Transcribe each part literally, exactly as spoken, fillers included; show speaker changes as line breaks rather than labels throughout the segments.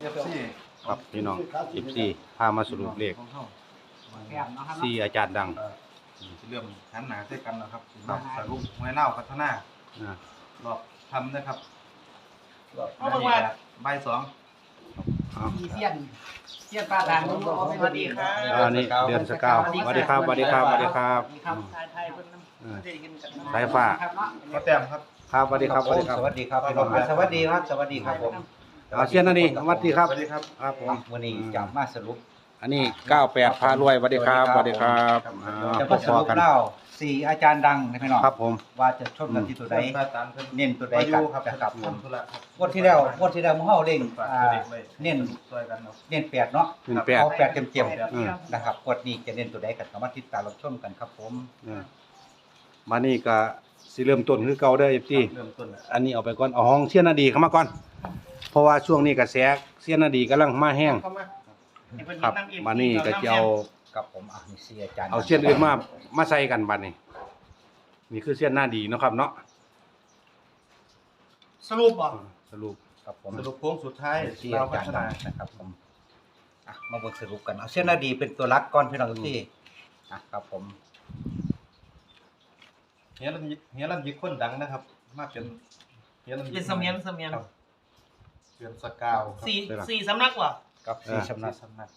ครับพี่น้องสิบสี่พามาสรุปเลขสี่อาจารย์ดัง
เรื่องขันหนาใช้กันนะครับสรุปหวยเน่าพัฒนารอบทำนะครับรอบใบสอง
มีเสี้ยนเสี้ยนปลาด่างสวัสดีครับ
อันนี้เดือนสกาวสวัสดีครับสวัสดีครับสวัสดีครับสายฟ้า
ก็แต้มครับ
ครับสวัสดีครับสวัสดีครับ
สวัสดีครับพี่น้องสวัสดีครับสวัสดีครับผม
เอาเชียนนั่นนี่สวัสดีครับ
สวัสดีครับ
ครับผม
วันนี้จะมาสรุป
อันนี้เก้าแปดพารวยสวัสดีครับสวัสดีครับอ่า
จะ
พ
มา
บ
สรุป
กัน
เล่าสี่อาจารย์ดังนะพี่น้อง
ครับผม
ว่าจะชนกันที่ตัวใดเน้นตัวใดกัน
ครับ
นะครับ
ทำธุระครับ
งวดที่แล้วงวดที่แล้วหมู่เฮาเล่งอ่าเน้น
ช่วยกันเนาะ
เน้นแปดเนาะ
หนึ่งแปด
เอาแปดเต็ม
อืม
ๆนะครับงวดนี้จะเน้นตัวใดกันก็มาติดตามรับชมกันครับผม
อ่ามานี่ก็สิเริ่มต้นคือเก่าเด้อเอฟซี
เริ่มต้นแล้ว
อันนี้เอาไปก่อนเอาห้องเชียนนาดีเข้ามาก่อน เพราะว่าช่วงนี้กระแสเชียนนาดีกำลังมาแห้งครับมานี่ก็จะเอา
กับผมอ่ะนี่สี่อาจารย์
เอาเชียนอื่นมามาใส่กันบัดนี้นี่คือเชียนหน้าดีเนาะครับเนาะ
สรุปบ่
สรุป
ครับผม
สรุปโค้งสุดท้าย
สี่
เรา
อา
พั
จาร
ฒ
ย์
นา
ดังนะครับผมอ่ะมาเบิ่งสรุปกันเอาเส้นนาดีเป็นตัวรักก่อนพี่น้องทุกที่อ่ะครับผม
เฮียลำยิเฮียลำยิคนดังนะครับ มาเป็นเฮียลำยิ
เป็นเสมียนเสมียน
เดือนสกาว
สี่สี่สำนักว่ะ
กับสี่สำนัก
สำนัก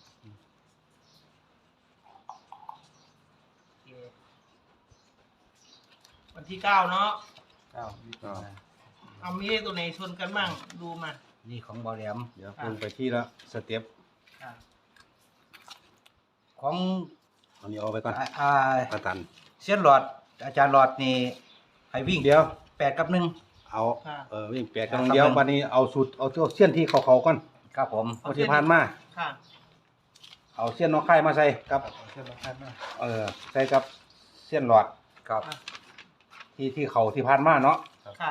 วันที่เก้าเนาะ
เก้ายี่สิบห้า
เอามีเลขตัวไหนชนกันบ้างดูมา
นี่ของบอแหลม
เดี๋ยวลงไปที่ละสเต็ป
อ่ะ
ของ
อันนี้เอาไปก่อน
อ่าอ่า
ประตัน
เส้นหลอดอาจารย์หลอดนี่ให้วิ่ง
เดี๋ยว
แปดกับหนึ่ง
เอา
อ่ะ
เออวิ่งแปดกำลังเดียวบัดนี้เอาสูตรเอาตัวเสี้ยนที่เขาๆก่อน
ครับผม
เอาที่ผ่านมา
ค่ะ
เอาเสี้ยนน้องไข่มาใส่กับ
เชื่อมกันมาก
เออใส่กับเสี้ยนหลอด
ครับ
ที่ที่เขาที่ผ่านมาเนาะ
ค่ะ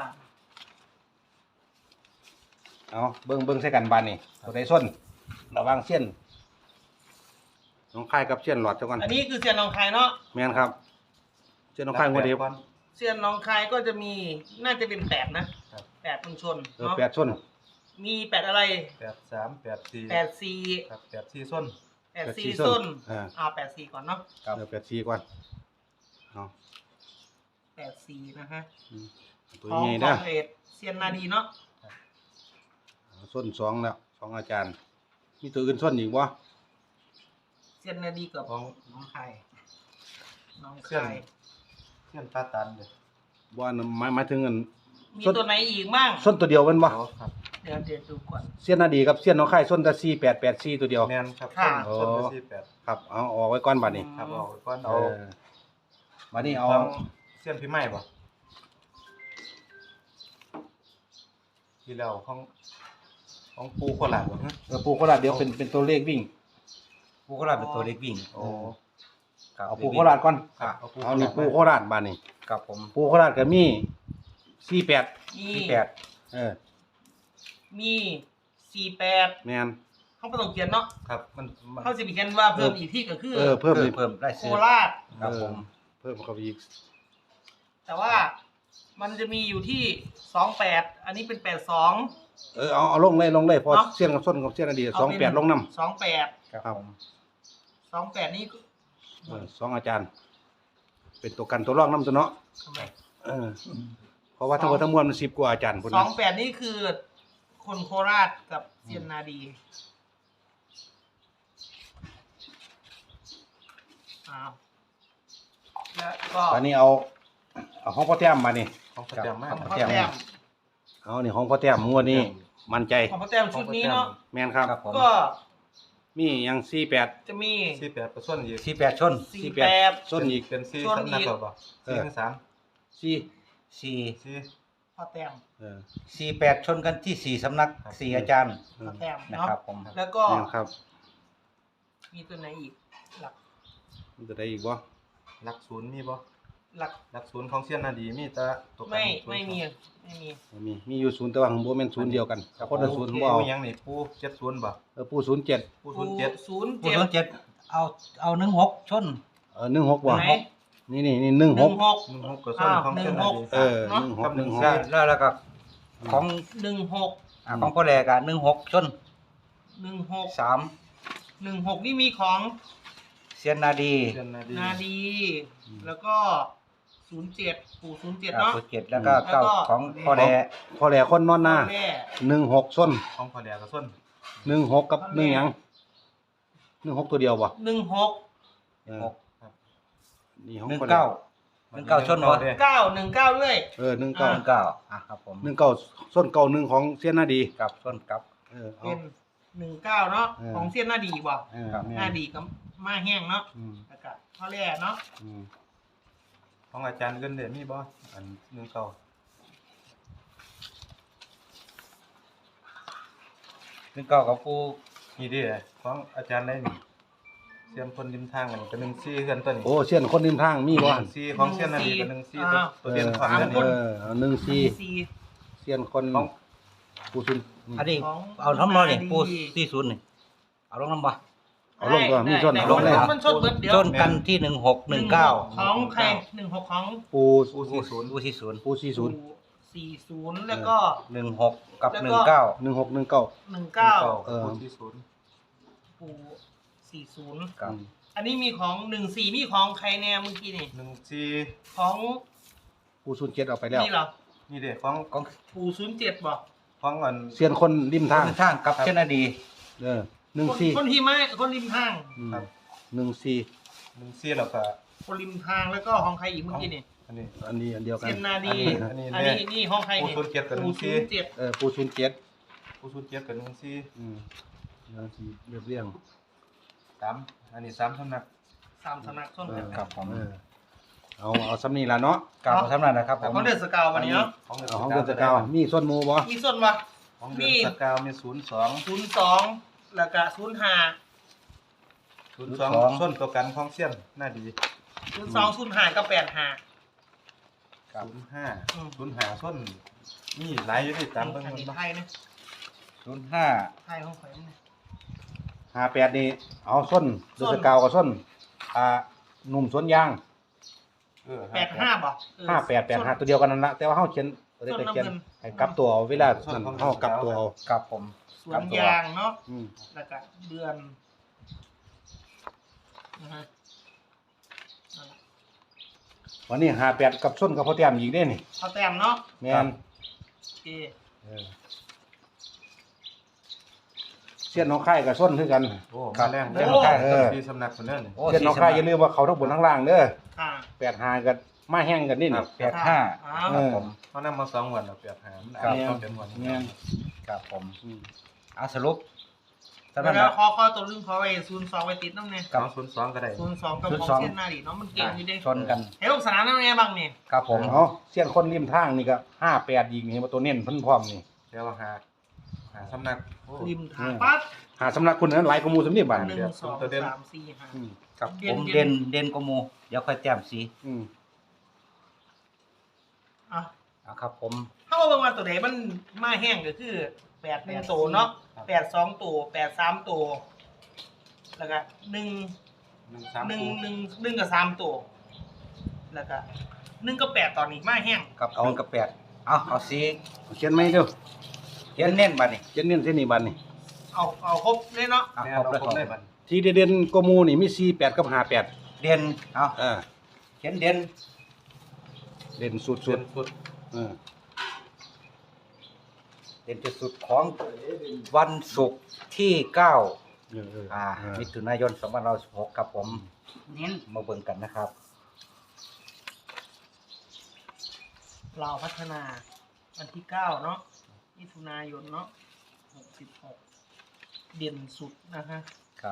เอาเบิ่งเบิ่งใส่กันบัดนี้ตัวใดส้นระหวังเสี้ยนน้องไข่กับเสี้ยนหลอดเจ้ากัน
อันนี้คือเซียนหนองคายเนาะ
แม่นครับเสี้ยนน้องไข่งวดเดียว
เซียนหนองคายก็จะมีน่าจะเป็นแปดนะแปดมันชน
เออ
เนาะ
แปดส้น
มีแปดอะไร
แปดสามแปดสี่
แปดสี่
ครับแปดสี่ส้น
แปดสี่ส้น
อ่า
เอาแปดสี่ก่อนเนาะ
ครับ
เดี๋ยวแปดสี่ก่อนเอา
แปดสี่นะฮะ
อืมตัว
ของ
ใหญ่
ข
นะ
องเอ็ดเซียนนาดีเนาะ
ส้นสองแล้วสองอาจารย์ มีตัวอื่นส้นอีกวะ
เซียนนาดีกับ
ของ
น้องคายน้อง
เชื่อม
คาย
เชื่อมตาตันเลย
ว่าหมายหมายถึงเงิน
มี
ส้น
ตัวไหนอีกบ้าง
ส้นตัวเดียวเป็นวะ
ครับ
เดี๋ยวเดี๋ยวดูก่อน
เสี้ยนนาดีกับเสี้ยนน้องไข่ส้นตะซีแปดแปดซีตัวเดียว
แมนครับ
ค่ะ
ส้นสี่แปด
ครับเอาออกไว้ก่อนบัดนี้
ครับเอาก้อน
เอ
เอา
อบัดนี้เอา
ของเส้นพี่ไม้ป่ะที่แล้วของของปูโคราชป่ะฮะ
เออปูโคราชเดี๋ยวเป็นเป็นตัวเลขวิ่ง
ผู้ก็รับเป็นตัวเล็กวิ่ง
โอ้
ครับ
เอาปูโคราชก่อน
ครับ
เอาปู
เอานี่ปูโคราชบัดนี้
ครับผม
ปูโคราชก็มีสี่แปด
มี
ที่แปด
เออ
มีสี่แปด
แม่น
เขาไม่ต้องเขียนเนาะ
ครับมันมัน
เขาจะมีเขียนว่าเพิ่มอีกที่ก็คือ
เออเพิ่มอีก
เพิ่มได้
โค
ซื้อ
ราช
ครับผม
เออเพิ่มเข้าไปอีก
แต่ว่ามันจะมีอยู่ที่สองแปดอันนี้เป็นแปดสอง
เออเอาเอาลงเลยลงเลยพอ
เนาะ
เสี้ยนกับส้นกับเสี้ยนนาดีสองแปดลงน้
สองแปด
ครับผม
สองแปดนี่
ำเออสองอาจารย์ เป็นตัวกันตัวรองน้ำตัวเนาะ
ทำไม
เออเพราะว่าทั้งหมดทั้งมวลมันสิบกว่าอาจารย์พุ่น
สอ
นะ
งแปดนี่คือคนโคราชกับเซียนนาดีอ้าวแล้วก็
ตอนนี้เอาเอาของพ่อแต้มมานี่
ของประจำมาก
ของ
ครับ
พ่อแต้ม
เอานี่ของพ่อแต้มงวดนี้มั่นใจ
ของพ่อแต้มชุดนี้เนาะ
แม่นครับ
ครับผม
ก็
มีหยังสี่แปด
จะมี
สี่แปดประส่วนอีก
ที่แปดชน
สี่
สี่
แป
แป
ด
ด ส้นอีก
เป็นสี่
ส่วน
สำนัก
อีก
หรอเปล่า
เอ
สี่
อ
ทั้งสาม
สี่
สี่
สี่
พ่อแต้ม
เออ
สี่แปดชนกันที่สี่สำนักสี่อาจารย์
เอ
พ่
อ
อแต้ม
นะ
เนาะ
ครับผม
แล้วก็
แม่นครับ
มีตัวไหนอีก หลัก
มันจะได้อีกบ่
หลักศูนย์มีบ่
หลัก
หลักศูนย์ของเซียนนาดีมีแต่ตัวกัน
ไม่
ศูนย์
ไม่มีไม่มี
บ่มีมีอยู่ศูนย์แต่ว่าของบ่แม่นศูนย์เดียวกันคนละศูนย์บ่เอา
ปูยังนี่ปูเจ็ดศูนย์บ่
เออปูศูนย์เจ็ด
ปูศูนย์เจ็ด
ศูนย์
ผู้
เจ็ด
ชนเจ็ดเอาเอาหนึ่งหกชน
เออหนึ่งหกบ่
ไหน
นี่นี่นี่ห
ห
นึ่งห
นึ่
ก
งหก
หนึ่งหกกับส่วนของเซียนนาดี
เออหนึ่งหกหนึ่งหก
แล้วแล้วก็ของ
หนึ่งหก
อ่าของพ่อแหลกอ่ะหนึ่งหกชน
หนึ่งหก
สาม
หนึ่งหกนี่มีของ
เซียนนาดี
เดือนนาดี
นาดี แล้วก็ศูนย์เจ็ดปู่ศูนย์เจ็ด
เก้า
เนาะ
เจ็ดแล้วก็
แล้วก็
เก้าของพ่อแด
พอแหล่คนนอนหน้า
แม่
หนึ่งหกส้น
ของพอแดกกับส้น
หนึ่งหกกับหนึ่งหยังหนึ่งหกตัวเดียวบ่
หนึ่งหก
เออ
หก
นี่ของ
หนึ่ง
พอแหล่
เก้า หนึ่งเก้าชนวะ
เก้าหนึ่งเก้าด้วย
เออหนึ่ง
เก้า
เก้า
หนึ่งเก้าอ่ะครับผม
หนึ่งเก้าส้นเก้าหนึ่งของเสี้ยนหน้าดี
กับส้นกับ
เออเอา
เป็นหนึ่งเก้าเนาะ
เออ
ของเส้นหน้าดีบ่
เออ
ครับ
แม่
หน้าดีกับมาแห้งเนาะ
อืม
แล้วก็ข้อแรกเนาะ
อืม
ของอาจารย์เงินเดือนมีบ่อันหนึ่งเก้า
หนึ่งเก้ากับผู้
นี่ดิของอาจารย์ได้นี่เสียมคนริมทางอันนี้ก็หนึ่งซี่เฮือนตัวนี้
โอ้เสี้ยนคนริมทางมีบ่
หนึ่งซี่ของเสียนนาดีกับหนึ่งซี่ตัวตัวเดียนความ
เอ
เดื
อ
อน
เอ
นี้
อเอาหนึ่งสี่
สี่
เสี้ยนคน
ของ
ผู้ซุน
อันนี้
ของ
เอาทั้งน้อยนี่
นาดี
ผู้สี่ศูนย์นี่เอาลงน้ำบ่
เอาลงตัวมีส้น
ได้
เอาลงเลย
ได้มันชนเบิดเดียว
ส้นกันที่หนึ่งหกหนึ่งเก้า
ของใครหนึ่งหกของ
ปู
ผู้สี่ศูนย์
ผู้สี่ศูนย์
ปูสี่ศูนย์
สี่ศูนย์แล้วก็
หนึ่งหกกับ
แล้วก็
หนึ่งเก้า
หนึ่งหกหนึ่งเก้า
หนึ่งเก้า
เออ
ผู้สี่ศูนย์
ปู่สี่ศูนย์
กับ
อันนี้มีของหนึ่งสี่มีของใครแน่เมื่อกี้นี่
หนึ่งซี่
ของ
ปูศูนย์เจ็ดเอาไปแล้ว
นี่เหรอ
นี่เด็กของ
ของ
ปู่ศูนย์เจ็ดบ่
ของอัน
เสี้ยนคนริมทาง
ทางกับเช่นนาดี
เออหนึ่ง
คน
สี่
คนที่ไม่คนริมทาง
อืมหนึ่งสี่
หนึ่งซี่แล้วก็
คนริมทางแล้วก็ของใครอีกเมื่อกี้นี่
อันนี้
อันนี้อันเดียวกัน
เซนนาดี
อันนี้
อัน
เนี่ย
นี้นี่ห้องใครนี่
ปู่ศูนย์เจ็ดกับหนึ่
ปู่
งสี่
ศูนย์เจ็ด
เออปูศูนย์เจ็ด
ผู้สูญเจ็ดกับหนึ่งซี่
อืมแล้วที่เรียบเรียง
สามอันนี้สามสำนัก
สามสำนักส้น
เอ
กั
อน
ครับผม
เออเอาเอาซ้ำนี่ละเนาะ
กับสำนักนะครับผม
ของเดือดสกาววันนี้เนาะ
ของ
เอาของเดือนสกาวมีส้นหมูบ่
มีส้นวะ
ของเดือนสกาวมีศูนย์สอง
ศูนย์สองแล้วก็ศูนย์ห้า
ศูนย์สองส้นตัวกันของเสี้ยนน่าดี
ศูนย์สองศูนย์ห้าก็แปดห้า
ศูนย์ห้า
อืม
ศูนย์ห้าส้นนี่หลายอยู่ที่ตามเบิ่ง
อัน
มัน
นี้
บ่
ไทยนะ
ศูนย์ห้า
ไทยห้องข่อยมันนะ
ห้าแปดนี่เอาส้นเดือนสกาวกับส้นอ่าหนุ่มสวนยาง
เออ
แปดห้าบ่เออ
ห้าแปดแปดห้าตัวเดียวกันนั่นละแต่ว่าเฮาเขียนบ่ได้ไปเขียน
ส้นน้ำเงิน
ให้กลับตัวเอาเวลานั่นเฮากลับตัวเอา
กับผม
สวนยางเนาะ
อืม
แล้วก็เดือนนะฮะนั่นแหละ
วันนี้ห้าแปดกับส้นกับพ่อแต้มอีกเด้นี่
เอาแต้มเนาะ
แม่น
โอเค
เออเสี้ยนน้องค่ายกับส้นคือกัน
โอ้มาแรง
เสี้ยนน้องค่ายเออ
ที่สำนักคนนั้นนี่
โอ้
เสี้ยนน้องค่ายอย่าลืมว่าเขาทั้งบนทั้งล่างเด้อ
ค่ะ
แปดห้ากับมาแห้งกันนี่นี่
แปดห้า
อ้า
เอ
ว
อ
ผม
เขานำมาสองวันแล้วเปรียบหามัน
ครับ
ต้องเป็นวัน
แม่น
กับผม
อืม
เอาสรุปสำนั
แล้
ก
ว
นะ
ขอขอตัวลึงขอไว้ศูนย์สองไว้ติดน้ำเนี่ย
สองศูนย์สองก็ได้
ศูนย์สองกับ
ศูนย์
ของ
สอง
เส้นหน้าดิเนาะมันเก่งอยู่เด้
ชนกัน
เฮ้ยลงสนามนั่นไงบ้างเนี่ย
กับผม
เอาเสี้ยนคนริมทางนี่ก็ห้าแปดยิงนี่มาตัวเน้นเพิ่นพร้อมนี่
เดี๋ยวหาหาสำนักโอ้
ริมทางปั๊บ
หาสำนักคุณนั้นหลายกว่าหมู่สำนีบัด
ห
นี่
นึ่งสองสามสี่ห้า
อืม
กับ
เด่
ผ
น
ม
เด่
เด่
น
นเด่นกว่าหมูเดี๋ยวค่อยแต้มสี
อืม
อ่ะ
เอาครับผม
ถ้าว่าบางวันตัวไหนมันมาแห้งก็คือแปดหนึ่งตัวเนาะแปดสองตัวแปดสามตัวแล้วก็หนึ่ง
หนึ่งสาม
หนึ่ง
คู่
หนึ่งหนึ่งกับสามตัวแล้วก็หนึ่งกับแปดตอนนี้มาแห้ง
กับหนึ่งกับแปดเอาเอาสี
เขียนไหมเด้อ
เขียนเน้นบัดนี่
เขียนเน้นเส้นนี้บัดนี่
เอาเอาครบเลยเนาะ
เอา
แม่
ครบ
เรา
เลย
ครบได้บัด
ที่เด่นๆกว่าหมู่นี่มีสี่แปดกับห้าแปด
เด่นเอา
เออ
เขียนเด่น
เด่นสุ
ส่ว
ด
นสุด
ๆเออ
เด่นที่สุดของวันศุกร์ที่เก้า
เออเออ
อ่า
เออ
มิถุนายนสองพันห้าร้อยสิบหกครับผม
เน้น
มาเบิ่งกันนะครับ
เราพัฒนาวันที่เก้าเนาะมิถุนายนเนาะหกสิบหกเด่นสุดนะฮะ
ครับ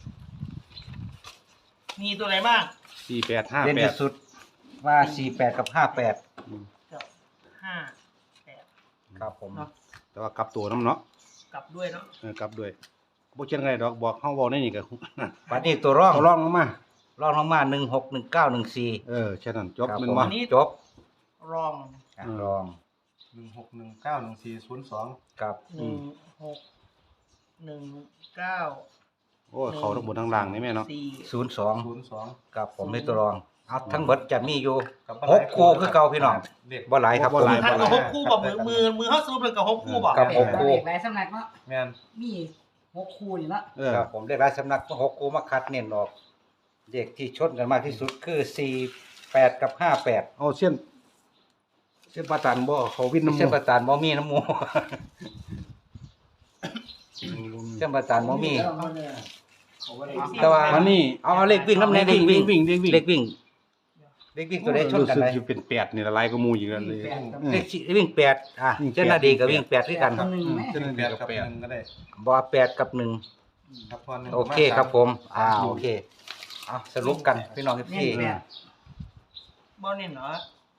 มีตัวไหนบ้าง
สี่แปดห้า
เด่น
แปด
ที่สุดว่าสี่แปดกับห้าแปด
อืม
กับห้าแปด
ครับผม
เนาะ
แต่ว่ากลับตัวน้ำเนาะ
กลับด้วยเนาะ
เออกลับด้วยบ่เขียนไงดอกบอกเฮาเว้าในนี่ก็
ปัดนี้ตัวร่อง
เขาลองลงมา
ร่องลงมาหนึ่งหกหนึ่งเก้าหนึ่งสี่
เออแค่นั้นจบ
ครับ
แมัน
ผม
บ่
จบ
รอง
อ่ะ
อืม
รอง
หนึ่งหกหนึ่งเก้าหนึ่งสี่ศูนย์สอง
กับ
หนึ่งหกหนึ่งเก้า
โอ้ยเขาทั้งบนทั้งล่างนี่แม่เนาะ
สี่
ศูนย์สอง
ศูนย์สอง
กับผมในตัวรองเอาทั้งเบิดจะมีอยู่
กับ
หกคู่คือเก่าพี่น้อง
เด็ก
บ่หลายครับ
บ่หลาย
ท่านกับหกคู่บอกมือมือมือเขาสรุปเลยกับหกคู่บอก
กับหกคู่
หลายสำนักเนาะ
แม่น
มีหกคู่นี่ละ
เออ
ครับผมเลขหลายสำนักหกคู่มาคัดเน้นออกเลขที่ชนกันมากที่สุดคือสี่แปดกับห้าแปด
เอาเส้นเส้นปลาตันบ่เขาวินน้ำ
เส้น
มู
ประตานบ่มีน้ำหมู เส้นประตานบ่มี แต่ว่า
วันนี้
เอาเอาเลขวิ่งน้ำแน่เลขวิ่ง
วิ่งวิ่งวิ่ง
เลขวิ่งเลขวิ่งตัวใดชนกัน
รู้
ไหน
สึกจะเป็นแปดนี่ละลายก็มูอยู่กันเลย
เลขสี่วิ่งแปดอ่ะ
วิ่งแปด
เจ้าหน้าดีกับวิ่งแปดด้วยกัน
หนึ่งไหม
เส้น
แป
เดีย
ด
ว
กั
กั
บบ แป
แป
ด
ด
ก็ได้
บ่แปดกับหนึ่ง
ครับพอหนึ่ง
โอเคครับผมอ่าโอเคเอาสรุปกันพี่น้อง
เน้น
พี่
แปด
บ่เน้นเนาะ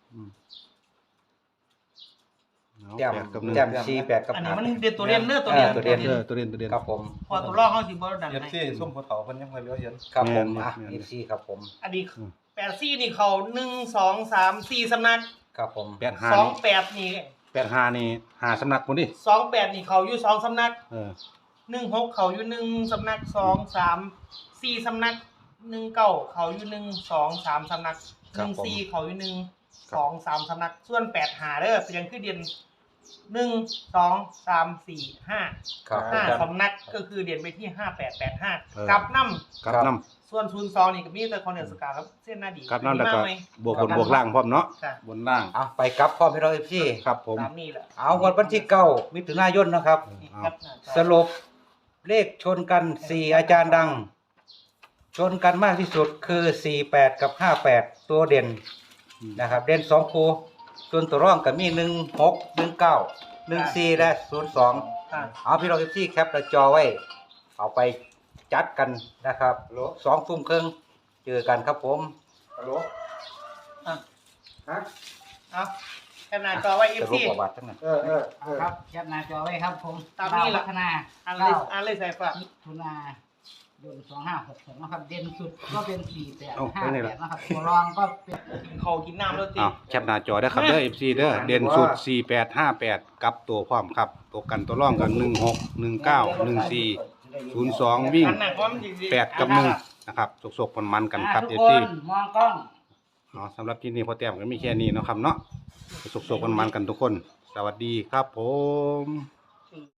แต้ม
แปดกับหนึ่ง
แต้มสี่แปดกับ
อันนี้
ห้า
มันเด่นตัวเด่นเด้อตัวเด่น
เออตัวเด่น
เออตัวเด่นตัวเด่น
ครับผม
พอตัวรองเขาสิบ่ดัง
เย็บ
ให้
ซี่ส้มภูเขาเพิ่นยังค่อยเหลือเห็น
ครับผม
แม่น
อ่ะ
แม่น
เอฟซีครับผม
อันนี้แปดซี่นี่เขาหนึ่งสองสามสี่สำนัก
ครับผม
แปดห้า
สอง
นี่
แปดนี่
แปดห้านี่หาสำนักคนดิ
สองแปดนี่เขาอยู่สองสำนัก
เออ
หนึ่งหกเขาอยู่หนึ่งสำนักสองสามสี่สำนักหนึ่งเก้าเขาอยู่หนึ่งสองสามสำนักหนึ่งสี่เขาอยู่หนึ่งสองสามสำนัก ส่วนแปดหาเด้อเป็นยังคือเด่นหนึ่งสองสามสี่ห้า
ครับ
ห้า
ครับ
สำนักก็คือเด่นไปที่ห้าแปดแปดห้ากลับน้
กับน้
ำส่วนศูนย์สองนี่ก็มีแต่คอนเนอร์สกาครับเส้นหน้าดี
ำกับน้ำแล้วก็
มาไหม
บวกบนบวกล่างพร้อมเนาะ
ค่ะ
บนล่าง
เอาไปกลับพ่อพี่น้องเอฟซี
ครับผม
ตามนี่แหละ
เอาวันวันที่เก้ามิถุนายนนะครับ
นี่
เอา
ครับหน้าจอ
สรุปเลขชนกันสี่อาจารย์ดัง ชนกันมากที่สุดคือสี่แปดกับห้าแปดตัวเด่นนะครับ เด่นสองคู่ส่วนตัวร่องก็มีหนึ่งหกหนึ่งเก้าหนึ่งสี่และศูนย์สอง
ค่ะ
เอาพี่น้องเอฟซีแคปหน้าจอไว้ เอาไปจัดกันนะครับสองทุ่มครึ่งเจอกันครับผม
ฮัลโหล
อ่ะ
ฮะ
เอาแค่หน้าจอไว้เอ
ส
ฟ
รุป
ซี
ประวัติทั้งนั้น
เออเออเออ
ครับแคปหน้าจอไว้ครับผม
ตามนี้
ลว
ล่ะ
พัฒนา
อ่านเลย
เก้า
อ่านเลยใส่ฝาก
มิถุนายนสองห้าหกหกนะครับ เด่นสุดก็เป็นสี่แปด
เอา
ห้า
ไปไหน
แป
ล่ะ
ดนะครับตัวรองก็เป็น
กินข้าวกินน้ำแล้วติ
เอาแคปหน้าจอได้อครับเด้อ เอฟ ซี เด้อเด่นสุดสี่แปดห้าแปดกับตัวพร้อมครับตัวกันตัวร่องกันหนึ่งหกหนึ่งเก้าหนึ่งสี่ศูนย์สองวิ่ง
อันหนักว่ามันดีๆ
แปดกับหนึ่งนะครับสกๆมันๆกันครับ
อ่า
เอ
ทุ
ฟ
กค
ซี
นมองกล้อง
อ๋อสำหรับที่นี่พอแต้มก็มีแค่นี้เนาะครับเนาะสกๆมันๆกันทุกคน สวัสดีครับผม